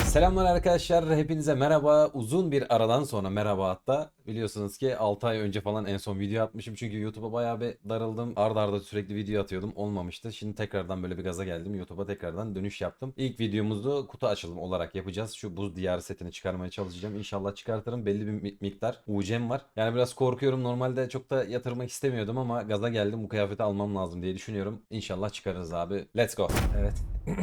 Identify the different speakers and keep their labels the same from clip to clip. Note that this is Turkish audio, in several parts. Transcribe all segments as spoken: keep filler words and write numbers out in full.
Speaker 1: Selamlar arkadaşlar, hepinize merhaba. Uzun bir aradan sonra merhaba hatta. Biliyorsunuz ki altı ay önce falan en son video atmışım. Çünkü YouTube'a bayağı bir darıldım. Arda arda sürekli video atıyordum. Olmamıştı. Şimdi tekrardan böyle bir gaza geldim. YouTube'a tekrardan dönüş yaptım. İlk videomuzu kutu açılımı olarak yapacağız. Şu buz diyarı setini çıkarmaya çalışacağım. İnşallah çıkartırım. Belli bir mi- miktar U C'm var. Yani biraz korkuyorum. Normalde çok da yatırmak istemiyordum ama gaza geldim. Bu kıyafeti almam lazım diye düşünüyorum. İnşallah çıkarırız abi. Let's go. Evet.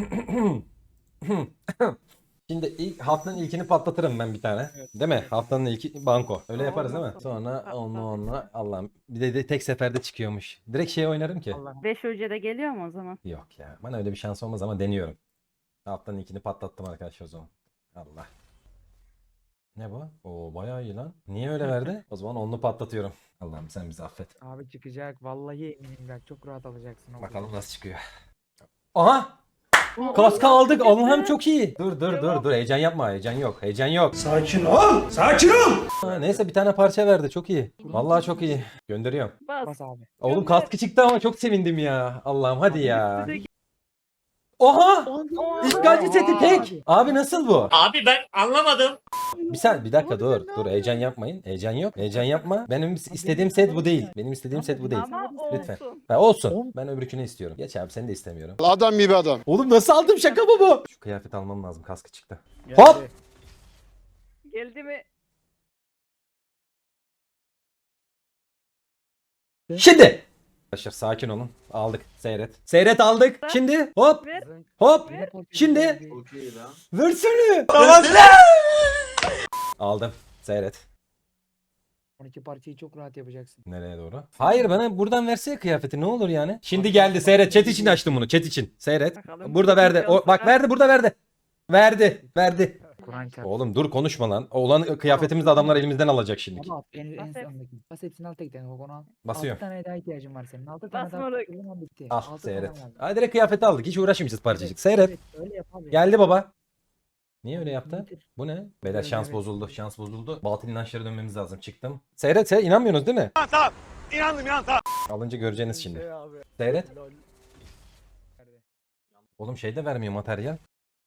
Speaker 1: Şimdi ilk haftanın ilkini patlatırım ben bir tane.
Speaker 2: Evet.
Speaker 1: Değil mi? Haftanın ilki banko. Öyle yaparız değil mi?
Speaker 3: Olmaz.
Speaker 1: Sonra
Speaker 3: Patlat.
Speaker 1: onunla onunla Allah'ım. Bir de, de tek seferde çıkıyormuş. Direkt şey oynarım ki.
Speaker 2: Allah.
Speaker 3: beş de geliyor mu o zaman?
Speaker 1: Yok ya. Bana öyle bir şans olmaz ama deniyorum. Haftanın ilkini patlattım arkadaşlar o zaman. Allah. Ne bu? Oo bayağı iyi lan. Niye öyle verdi? O zaman onu patlatıyorum. Allah'ım sen bizi affet.
Speaker 2: Abi çıkacak. Vallahi eminim bak çok rahat alacaksın. o
Speaker 1: Bakalım
Speaker 2: kutuyu.
Speaker 1: nasıl çıkıyor. Aha! Kaska aldık. Allah'ım çok iyi. Dur dur dur dur. Heyecan yapma. Heyecan yok. Heyecan yok.
Speaker 4: Sakin ol. Sakin ol.
Speaker 1: Ha, neyse bir tane parça verdi. Çok iyi. Vallahi çok iyi. Gönderiyorum.
Speaker 3: Bas.
Speaker 2: Bas abi.
Speaker 1: Oğlum kaskı çıktı ama çok sevindim ya. Allah'ım hadi ya. Oha! İşgalci seti tek. Abi nasıl bu?
Speaker 4: Abi ben anlamadım.
Speaker 1: Bir sen bir dakika dur. Dur heyecan yapmayın. Heyecan yok. Heyecan yapma. Benim istediğim set bu değil. Benim istediğim set bu değil.
Speaker 3: Ama
Speaker 1: Lütfen.
Speaker 3: olsun.
Speaker 1: Ha, olsun. Ben öbürkünü istiyorum. Geç abi seni de istemiyorum.
Speaker 5: Adam gibi adam.
Speaker 1: Oğlum nasıl aldım şaka mı bu? Şu kıyafet almam lazım. Kaskı çıktı.
Speaker 2: Geldi.
Speaker 1: Hop!
Speaker 3: Geldi mi?
Speaker 1: Şimdi. Arkadaşlar sakin olun. Aldık. Seyret. Seyret aldık. Şimdi hop
Speaker 3: Ver.
Speaker 1: hop.
Speaker 2: Yine portakal
Speaker 1: Şimdi.
Speaker 2: geldi.
Speaker 1: Versene. Aldım. Seyret.
Speaker 2: on iki parçayı çok rahat yapacaksın.
Speaker 1: Nereye doğru? Hayır bana buradan versene kıyafeti ne olur yani. Şimdi geldi seyret. Chat için açtım bunu. Chat için. Seyret.
Speaker 3: Bakalım.
Speaker 1: Burada verdi. O, bak verdi burada verdi. Verdi. Verdi.
Speaker 2: Kur'an çarpsın.
Speaker 1: Oğlum dur konuşma lan. Olan kıyafetimizi de adamlar elimizden alacak şimdi.
Speaker 2: Abi al, en, en
Speaker 3: Bas hep.
Speaker 2: sondaki. Bas hepsini al tek tane. Bak onu al.
Speaker 1: Basıyorum.
Speaker 2: altı tane daha ihtiyacın var senin. altı tane daha.
Speaker 3: Basmalık.
Speaker 2: O zaman bitti.
Speaker 1: Al
Speaker 2: altı tane
Speaker 1: seyret.
Speaker 2: kaldı.
Speaker 1: Hadi direkt kıyafeti aldık. Hiç uğraşmayacağız parçacık. Seyret.
Speaker 2: Evet, öyle yap abi.
Speaker 1: Geldi baba. Niye öyle yaptı?
Speaker 2: Bitir.
Speaker 1: Bu ne? Beyler
Speaker 2: Evet,
Speaker 1: şans
Speaker 2: evet.
Speaker 1: bozuldu. Şans bozuldu. Batıl inançlara dönmemiz lazım. Çıktım. Seyret seyret. İnanmıyorsunuz değil mi?
Speaker 4: Tamam. İnandım inan tamam.
Speaker 1: Alınca göreceğiniz şimdi.
Speaker 2: Şey abi.
Speaker 1: Seyret.
Speaker 2: Lol.
Speaker 1: Oğlum şey de vermiyor materyal.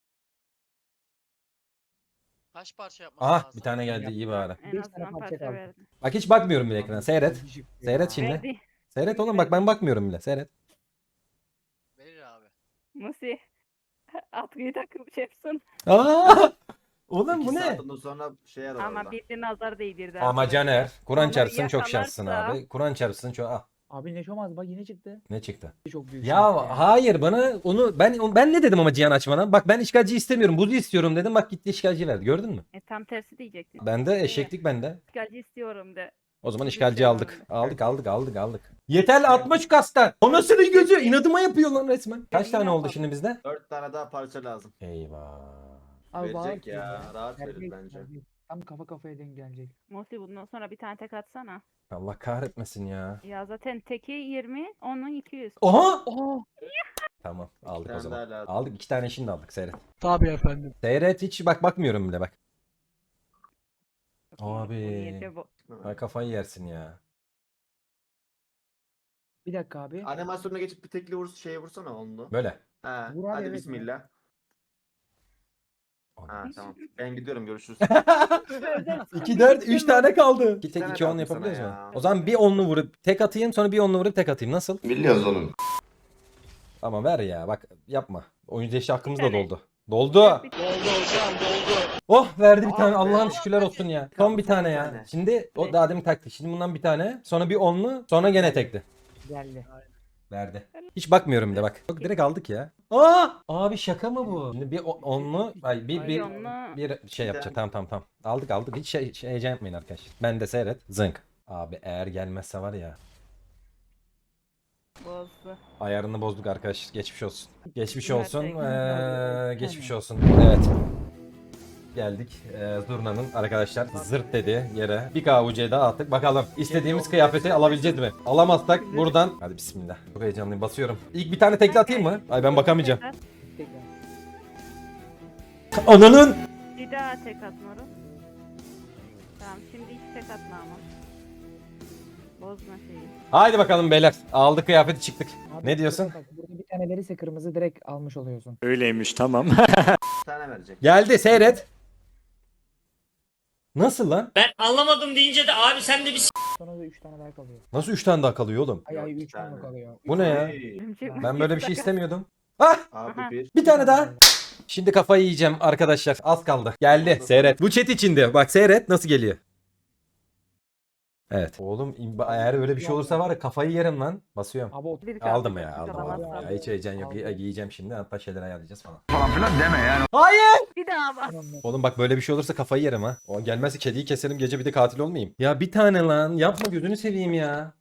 Speaker 6: Kaç parça yapması
Speaker 1: Aha
Speaker 6: lazım?
Speaker 1: bir tane geldi iyi bari.
Speaker 3: En
Speaker 2: Beş
Speaker 3: azından
Speaker 2: tane parça
Speaker 3: parça
Speaker 2: kaldı.
Speaker 3: verdi.
Speaker 1: Bak hiç bakmıyorum bile ekrana. Seyret. Seyret şimdi.
Speaker 3: Verdi.
Speaker 1: Seyret oğlum bak ben bakmıyorum bile. Seyret.
Speaker 6: Verir abi.
Speaker 3: Nasıl? Atkıyı takıp yapsın.
Speaker 1: Aa! Oğlum bu
Speaker 7: İki
Speaker 1: ne?
Speaker 7: saat ondan sonra şey yarar
Speaker 3: Ama
Speaker 7: orada.
Speaker 3: bir nazar değdirdi.
Speaker 1: Ama
Speaker 3: abi.
Speaker 1: Caner. Kur'an
Speaker 3: Ama
Speaker 1: çarpsın çok şanslısın
Speaker 3: yakalarsa-
Speaker 1: abi. Kur'an çarpsın çok. Ah,
Speaker 2: Abi ne şomaz bak yine çıktı.
Speaker 1: ne çıktı?
Speaker 2: Çok büyük.
Speaker 1: Ya
Speaker 2: şans yani.
Speaker 1: hayır bana onu ben ben ne dedim ama Cihan açmana? Bak ben işgalci istemiyorum. Buzu istiyorum dedim. Bak gitti işgalci verdi. Gördün mü?
Speaker 3: E, tam tersi diyecektin.
Speaker 1: Bende eşeklik bende.
Speaker 3: İşgalci istiyorum de.
Speaker 1: O zaman
Speaker 3: Bir
Speaker 1: işgalci
Speaker 3: şey
Speaker 1: aldık.
Speaker 3: var.
Speaker 1: Aldık aldık aldık aldık. Yeterli atma şu kastan. Anasının gözü inadıma yapıyor lan resmen. Kaç
Speaker 3: Ya
Speaker 1: tane
Speaker 3: yine
Speaker 1: oldu
Speaker 3: bak.
Speaker 1: şimdi bizde?
Speaker 7: Dört tane daha parça lazım.
Speaker 1: Eyvah.
Speaker 2: Abi
Speaker 7: Verecek
Speaker 2: bağır ki
Speaker 7: ya, rahat verir
Speaker 2: Verecek,
Speaker 7: bence.
Speaker 2: verecek. Tam kafa kafaya denk gelecek.
Speaker 3: Musi bundan sonra bir tane tek atsana.
Speaker 1: Allah kahretmesin ya.
Speaker 3: Ya zaten teki yirmi, onun iki yüz.
Speaker 1: Oha!
Speaker 2: Oha.
Speaker 1: Tamam aldık o
Speaker 7: tane
Speaker 1: zaman.
Speaker 7: daha lazım.
Speaker 1: Aldık iki tane şimdi aldık seyret.
Speaker 2: Tabii efendim.
Speaker 1: Seyret hiç bak bakmıyorum bile bak.
Speaker 3: Bu
Speaker 1: Abi.
Speaker 3: niyeti bu.
Speaker 1: Ay kafayı yersin ya.
Speaker 2: Bir dakika abi.
Speaker 7: Animasyonuna geçip bir tekli vur şeye vursana onu.
Speaker 1: Böyle.
Speaker 7: He.
Speaker 2: Vur abi,
Speaker 7: Hadi
Speaker 2: evet.
Speaker 7: bismillah. Ha tamam. Ben gidiyorum görüşürüz.
Speaker 1: iki dört üç tane kaldı. İki tek
Speaker 7: tane
Speaker 1: iki on
Speaker 7: kaldı sana
Speaker 1: yapabiliyoruz mu?
Speaker 7: ya.
Speaker 1: O zaman bir onlu vurup tek atayım sonra bir onlu vurup tek atayım. Nasıl?
Speaker 5: Biliyoruz oğlum.
Speaker 1: Ama ver ya bak yapma. Oyuncu eşi hakkımız da
Speaker 3: Bir tane.
Speaker 1: doldu. Doldu.
Speaker 3: Bir-
Speaker 1: Oh verdi bir tane.
Speaker 7: Ah be.
Speaker 1: Allah'ım şükürler olsun ya. Son bir tane ya.
Speaker 7: tane.
Speaker 1: Şimdi o daha demin taktı. Şimdi bundan bir tane. Sonra bir onlu. Sonra gene tekli.
Speaker 2: Geldi.
Speaker 1: Verdi. Hiç bakmıyorum bile bak. Yok direkt aldık ya. Aa! Abi şaka mı bu? Şimdi bir o- onlu, ay bir
Speaker 3: Bir
Speaker 1: bir
Speaker 3: onlu.
Speaker 1: bir şey yapacak. Tamam tamam tamam. Aldık aldık. Hiç şey, şey heyecan yapmayın arkadaşlar. Ben de seyret. Zınk. Abi eğer gelmezse var ya.
Speaker 3: Bozdu.
Speaker 1: Ayarını bozduk arkadaş. Geçmiş olsun. Geçmiş
Speaker 3: Gerçekten.
Speaker 1: olsun.
Speaker 2: Gerçekten.
Speaker 1: Ee, geçmiş olsun. Evet. Geldik. Ee, Zurna'nın arkadaşlar zırt dedi yere. Bir K U C daha attık. Bakalım istediğimiz kıyafeti alabileceğiz mi? Alamazsak buradan. Hadi bismillah. Çok heyecanlıyım. Basıyorum. İlk bir tane tekli atayım mı? Ay ben bakamayacağım.
Speaker 2: Tekrar.
Speaker 1: Ananın.
Speaker 3: Bir daha tek atmıyorum. Tamam şimdi hiç tek atma ama. Bozma şeyi.
Speaker 1: Haydi bakalım beyler. Aldık kıyafeti çıktık.
Speaker 2: Abi,
Speaker 1: Ne diyorsun?
Speaker 2: Bak, burada bir tane verirse kırmızı direkt almış oluyorsun.
Speaker 4: Öyleymiş tamam.
Speaker 7: tane verecek.
Speaker 1: Geldi seyret. Nasıl lan?
Speaker 4: Ben anlamadım deyince de abi sen de bir
Speaker 2: Sonra da üç tane daha kalıyor.
Speaker 1: Nasıl üç tane daha kalıyor oğlum?
Speaker 2: Ay
Speaker 7: Yok,
Speaker 2: ay
Speaker 7: bir
Speaker 2: üç tane
Speaker 7: tane.
Speaker 2: kalıyor.
Speaker 1: Bu ne ya?
Speaker 7: Hey,
Speaker 1: Ben böyle bir şey istemiyordum. Ah!
Speaker 7: Abi
Speaker 3: Aha.
Speaker 7: bir.
Speaker 1: Bir tane daha. Şimdi kafayı yiyeceğim arkadaşlar. Az kaldı. Geldi. Seyret. Bu chat içinde. Bak seyret nasıl geliyor. Evet. Oğlum imba- eğer öyle bir şey olursa var ya kafayı yerim lan. Basıyorum.
Speaker 2: Abi o
Speaker 3: Bir
Speaker 1: Aldım
Speaker 3: kaldı,
Speaker 1: ya
Speaker 3: bir
Speaker 1: aldım.
Speaker 3: kalan
Speaker 1: aldım.
Speaker 3: asla.
Speaker 1: Ya, hiç heyecan yok.
Speaker 2: Aldım.
Speaker 1: Giyeceğim şimdi. Hatta şeyler ayarlayacağız falan.
Speaker 3: Bir daha bas.
Speaker 1: Oğlum bak böyle bir şey olursa kafayı yerim ha. O gelmezse kediyi keserim gece bir de katil olmayayım. Ya bir tane lan. Yapma gözünü seveyim ya.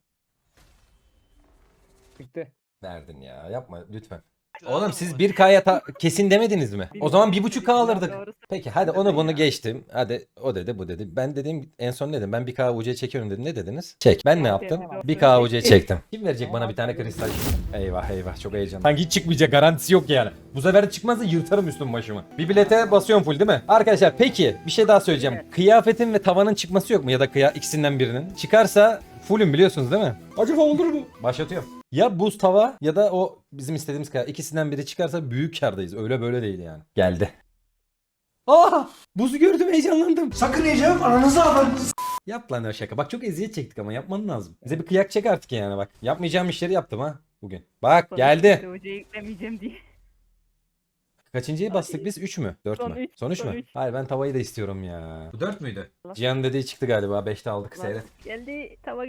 Speaker 2: Bitti.
Speaker 1: Verdin ya. Yapma lütfen.
Speaker 6: Kral
Speaker 1: Oğlum
Speaker 6: mı
Speaker 1: siz
Speaker 6: var?
Speaker 1: bir K'ya ta- kesin demediniz mi? O zaman bir buçuk K
Speaker 3: Ya
Speaker 1: alırdık.
Speaker 3: doğru.
Speaker 1: Peki hadi
Speaker 7: Dedin
Speaker 1: onu bunu
Speaker 7: ya.
Speaker 1: geçtim. Hadi o dedi bu dedi. Ben dedim en son ne dedim? Ben bir K U C çekiyorum dedim. Ne dediniz? Çek. Ben ne yaptım?
Speaker 3: Aferin,
Speaker 1: Bir
Speaker 3: doğru.
Speaker 1: K U C çektim. Kim verecek
Speaker 2: Tamam,
Speaker 1: bana bir tane
Speaker 2: tabii.
Speaker 1: kristal? Eyvah eyvah çok heyecanlı. Sanki hiç çıkmayacak garantisi yok yani. Bu sefer de çıkmazsa yırtarım üstüm başımı. Bir bilete basıyorum full değil mi? Arkadaşlar peki bir şey daha söyleyeceğim.
Speaker 3: Evet.
Speaker 1: Kıyafetin ve tavanın çıkması yok mu? Ya da kıya ikisinden birinin. Çıkarsa fullüm biliyorsunuz değil mi? Acaba olur mu? Başlatıyorum. Ya buz tava ya da o bizim istediğimiz kadar ikisinden biri çıkarsa büyük kârdayız. Öyle böyle değil yani. Geldi. Aa! Buzu gördüm heyecanlandım.
Speaker 4: sakın yiyeceğim ananızı alın.
Speaker 1: Yap lan o şaka. Bak çok eziyet çektik ama yapman lazım. Bize bir kıyak çek artık yani bak. Yapmayacağım işleri yaptım ha bugün. Bak geldi.
Speaker 3: Hocayı yüklemeyeceğim diye.
Speaker 1: Kaçıncıyı bastık biz? üç mü? dört
Speaker 3: Son
Speaker 1: mü?
Speaker 3: üç,
Speaker 1: Son üç
Speaker 3: son
Speaker 1: mü?
Speaker 3: üç.
Speaker 1: Hayır ben tavayı da istiyorum ya. Bu dört müydü?
Speaker 3: Allah.
Speaker 1: Cihan dediği çıktı galiba. beşte aldık seyret.
Speaker 3: Geldi tava.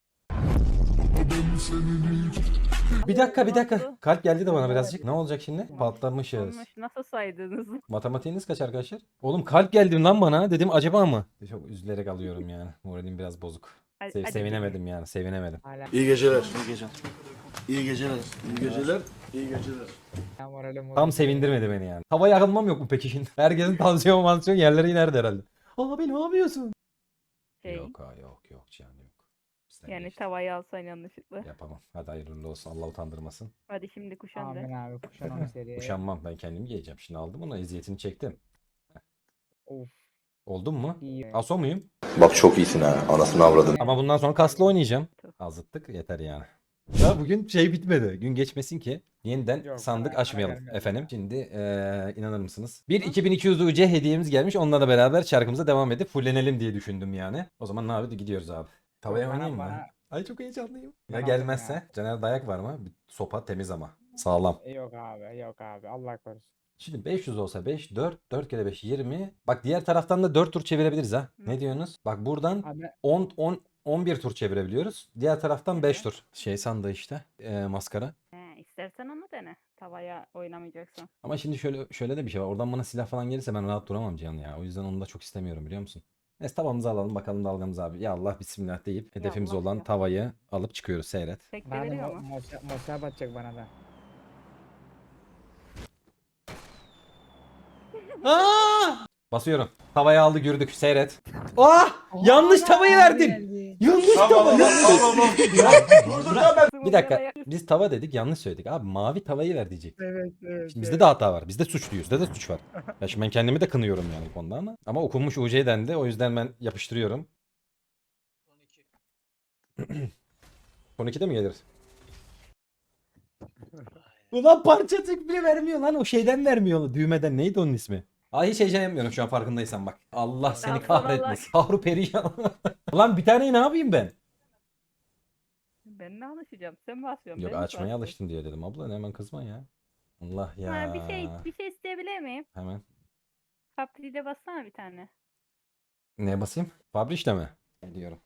Speaker 1: Bir dakika bir dakika.
Speaker 3: Oldu.
Speaker 1: Kalp geldi de bana birazcık. Ne olacak şimdi? Patlamışız.
Speaker 3: Olmuş. Nasıl saydınız?
Speaker 1: Matematiğiniz kaç arkadaşlar? Oğlum kalp geldi lan bana. Dedim acaba mı? Çok üzülerek alıyorum yani. Moralim biraz bozuk.
Speaker 3: Hadi-
Speaker 1: Sev-
Speaker 3: hadi
Speaker 1: sevinemedim yani. Sevinemedim.
Speaker 2: Hala
Speaker 5: İyi geceler. İyi geceler. İyi geceler. İyi geceler. İyi geceler.
Speaker 2: moralim bozuldu.
Speaker 1: Tam sevindirmedi beni yani. Havaya alınmam yok mu peki şimdi? Herkesin tansiyon mansiyon yerleri inerdi herhalde. Abi ne yapıyorsun?
Speaker 3: Şey,
Speaker 1: Yok ha yok yok Cihan yok. Bizden
Speaker 3: yani
Speaker 1: geçti.
Speaker 3: tavayı alsan yanlışlıkla.
Speaker 1: Yapamam. Hadi hayırlı olsun. Allah utandırmasın.
Speaker 3: Hadi şimdi kuşan
Speaker 2: Amin
Speaker 3: da.
Speaker 2: abi kuşan onu seriye.
Speaker 1: Kuşanmam. Ben kendimi giyeceğim. Şimdi aldım onu. Eziyetini çektim.
Speaker 2: Of
Speaker 1: Oldun mu?
Speaker 2: iyi.
Speaker 1: Aso muyum?
Speaker 5: Bak çok iyisin ha. Anasını avradın.
Speaker 1: Ama bundan sonra kaslı oynayacağım. Azıttık yeter yani. Ya bugün şey bitmedi. Gün geçmesin ki yeniden
Speaker 2: Yok,
Speaker 1: sandık
Speaker 2: bana-
Speaker 1: açmayalım
Speaker 2: bana gelmedi
Speaker 1: efendim.
Speaker 2: ya.
Speaker 1: Şimdi eee inanır mısınız? Bir iki bin iki yüz U C hediyemiz gelmiş. Onunla da beraber şarkımıza devam edip fullenelim diye düşündüm yani. O zaman ne abi gidiyoruz abi. Tavaya
Speaker 2: Bana-
Speaker 1: oynayayım mı?
Speaker 2: bana-
Speaker 1: Ay çok heyecanlıyım.
Speaker 2: Ben
Speaker 1: Ya
Speaker 2: aldım
Speaker 1: gelmezse?
Speaker 2: ya.
Speaker 1: Caner dayak var mı? Bir sopa temiz ama. Sağlam.
Speaker 2: Yok abi yok abi Allah korusun.
Speaker 1: Şimdi beş yüz olsa beş, dört, dört kere beş yirmi. Bak diğer taraftan da dört tur çevirebiliriz ha. Ne diyorsunuz? Bak buradan
Speaker 2: Abi
Speaker 1: on, on, on bir tur çevirebiliyoruz. Diğer taraftan beş
Speaker 3: Evet.
Speaker 1: tur. Şey sandığı işte eee, maskara.
Speaker 3: He, istersen onu dene. Tavaya oynamayacaksın.
Speaker 1: Ama şimdi şöyle şöyle de bir şey var. Oradan bana silah falan gelirse ben rahat duramam Cihan ya. O yüzden onu da çok istemiyorum biliyor musun? Neyse tavamızı alalım bakalım dalgamız abi. Ya Allah bismillah deyip hedefimiz
Speaker 3: Allah
Speaker 1: olan
Speaker 3: ya.
Speaker 1: tavayı alıp çıkıyoruz seyret.
Speaker 3: Tek de
Speaker 2: bana da
Speaker 3: veriyor
Speaker 2: mo-
Speaker 3: mu?
Speaker 2: mosa, mosa batacak bana da.
Speaker 1: Basıyorum. Tavayı aldı gürdük seyret. Ah! Yanlış tavayı verdim. Yanlış tava. Bir dakika. Biz tava dedik yanlış söyledik. Abi mavi tavayı ver diyecek.
Speaker 2: Evet evet.
Speaker 1: Şimdi bizde de hata var. Bizde suçluyuz. Bizde de suç var. Ya şimdi ben kendimi de kınıyorum yani bu konuda ama. Ama okunmuş U C dendi. O yüzden ben yapıştırıyorum.
Speaker 6: on iki.
Speaker 1: Son ikide mi gelir? Ulan parçacık bile vermiyor lan. O şeyden vermiyor. Düğmeden. Neydi onun ismi? Ay hiç heyecan yapmıyorum şu an farkındaysan bak. Allah seni
Speaker 3: Daha sonra
Speaker 1: kahretmesin. Kahru periyan. Ulan bir taneyi ne yapayım ben?
Speaker 3: Ben ne alışacağım? Sen mi basıyorsun?
Speaker 1: Yok
Speaker 3: ben mi
Speaker 1: açmaya
Speaker 3: basıyorum?
Speaker 1: alıştım diye dedim. Abla hemen kızma ya. Allah ya.
Speaker 3: Ha, bir şey bir şey isteyebilir miyim?
Speaker 1: Hemen.
Speaker 3: Papri'de bassana bir tane.
Speaker 1: Neye basayım? Fabrişte mi? Geliyorum.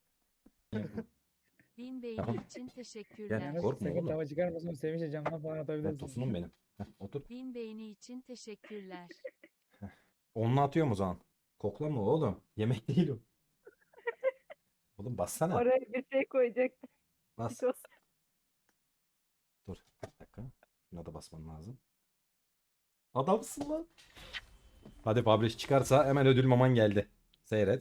Speaker 8: Bin beğeni
Speaker 1: Tamam.
Speaker 8: için
Speaker 1: Gel.
Speaker 8: teşekkürler.
Speaker 2: Yani
Speaker 1: Korkma
Speaker 2: sakın
Speaker 1: oğlum.
Speaker 2: tava çıkarmasın sevinçle camdan falan
Speaker 1: Ben
Speaker 2: atabilirsin.
Speaker 1: tosunum benim. Heh, otur.
Speaker 8: Bin beğeni için teşekkürler.
Speaker 1: Onunla atıyorum o zaman. Koklama oğlum. Yemek değil o. Oğlum bassana.
Speaker 3: Oraya bir şey koyacaktım.
Speaker 1: Bas.
Speaker 3: Sos.
Speaker 1: Dur. Bir dakika. Şuna da basman lazım. Adamsın lan. Hadi Fabriş çıkarsa hemen ödül maman geldi. Seyret.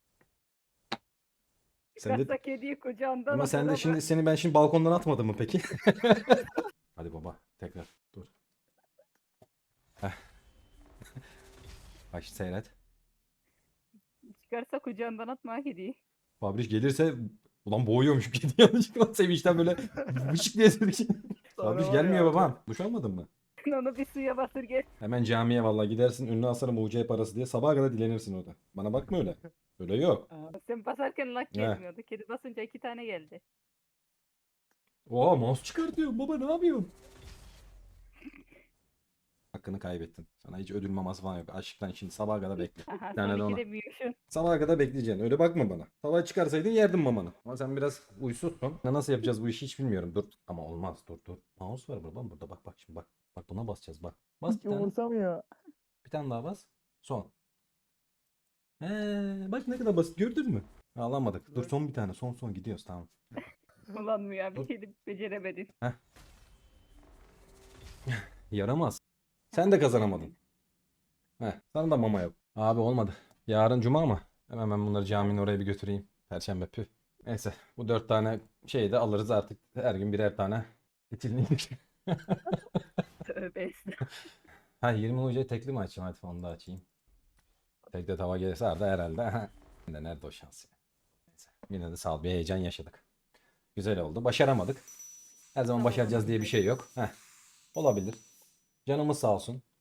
Speaker 1: Sen de,
Speaker 3: Çıkarsa kediyi kucağından
Speaker 1: ama sen de
Speaker 3: atar
Speaker 1: şimdi
Speaker 3: ama.
Speaker 1: seni ben şimdi balkondan atmadım mı peki? Hadi baba tekrar dur. Heh. Bak şimdi seyret.
Speaker 3: Çıkarsa kucağından atma kediyi.
Speaker 1: Fabriş gelirse ulan boğuyormuş kedi yanlışlıkla sevinçten böyle vışık diye dedik. Fabriş
Speaker 2: var
Speaker 1: gelmiyor
Speaker 2: ya.
Speaker 1: babam. Duş almadın mı?
Speaker 3: Sen onu bir suya batır gel.
Speaker 1: Hemen camiye vallahi gidersin ünlü asarım U C parası diye sabaha kadar dilenirsin orada. Bana bakma öyle. Öyle yok.
Speaker 3: Sen basarken lak
Speaker 1: He.
Speaker 3: gelmiyordu. Kedi basınca iki tane geldi.
Speaker 1: Oha mouse çıkartıyor. Baba ne yapıyorsun? Hakkını kaybettin. Sana hiç ödül maması falan yok. Aşktan şimdi sabaha kadar bekle.
Speaker 3: Aha
Speaker 1: Bir tane de
Speaker 3: son
Speaker 1: ona.
Speaker 3: ikide büyüyorsun.
Speaker 1: Sabaha kadar bekleyeceksin. Öyle bakma bana. Sabah çıkarsaydın yerdim mamanı. Ama sen biraz uysuzsun. Ya nasıl yapacağız bu işi hiç bilmiyorum. Dur. Ama olmaz. Dur dur. Mouse var burada. Burada bak bak şimdi bak. Bak buna basacağız bak. Bas bir tane.
Speaker 2: Umursamıyor.
Speaker 1: Bir tane daha bas. Son. He, bak ne kadar basit gördün mü? Alamadık. Dur son bir tane. Son son gidiyoruz tamam.
Speaker 3: Kullanmıyor abi.
Speaker 1: Dur.
Speaker 3: Kedi beceremedin.
Speaker 1: Yaramaz. Sen de kazanamadın. Heh, sana da mama yok. Abi olmadı. Yarın cuma mı? Hemen ben bunları caminin oraya bir götüreyim. Perşembe püh. Neyse bu dört tane şeyi de alırız artık. Her gün birer tane. Fitilini.
Speaker 3: Tövbe estağfurullah.
Speaker 1: Ha yirmi hocayı tekli mi açayım? Hadi onu da açayım. Tekte tava gelirse Arda herhalde. de nerede o şans ya. Neyse. Yine de sağ ol bir heyecan yaşadık. Güzel oldu. Başaramadık. Her zaman başaracağız diye bir şey yok. Heh. Olabilir. Canımız sağ olsun.